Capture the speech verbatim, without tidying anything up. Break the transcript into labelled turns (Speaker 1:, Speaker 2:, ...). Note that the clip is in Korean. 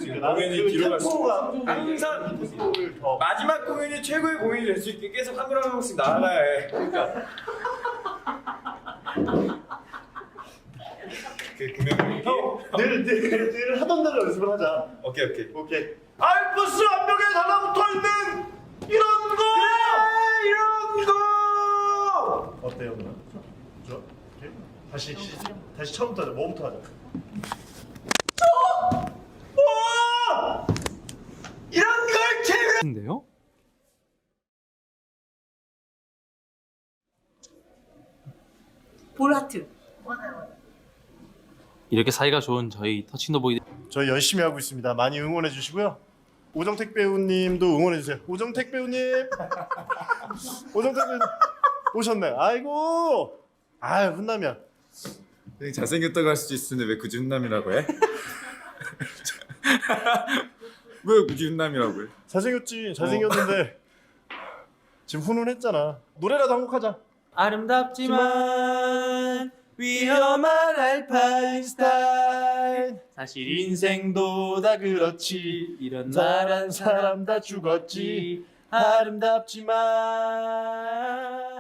Speaker 1: 공연이 뒤로 갈수록
Speaker 2: 항상 마지막 공연이 최고의 공연이 될 수 있게 계속 한 명 한 명씩 나아가야 해. 그러니까 그 금연
Speaker 1: 늘늘 하던 대로 연습을 하자.
Speaker 2: 오케이 오케이
Speaker 1: 오케이. 알프스 암벽에 달라붙어 있는 이런 거.
Speaker 2: 그래 이런 거.
Speaker 1: 어때요 누나? 좋아? 오케이. 다시 시, 다시 처음부터 하자. 뭐부터 하자? 오!
Speaker 2: 이런 걸 제외.
Speaker 3: 인데요?
Speaker 4: 볼하트.
Speaker 3: 이렇게 사이가 좋은 저희 터칭더보이
Speaker 1: 저희 열심히 하고 있습니다. 많이 응원해 주시고요. 오정택 배우님도 응원해 주세요. 오정택 배우님. 오정택 배우님 오셨네. 아이고. 아유 훈남이야.
Speaker 5: 되게 잘생겼다고 할 수도 있는데 왜 굳이 훈남이라고 해? 왜 굳이 훈남이라고 해?
Speaker 1: 잘생겼지. 잘생겼는데 지금 훈훈했잖아. 노래라도 한 곡 하자.
Speaker 3: 아름답지만 위험한 알파인스타인 사실 인생도 다 그렇지 이런 말한 사람 다 죽었지 아름답지만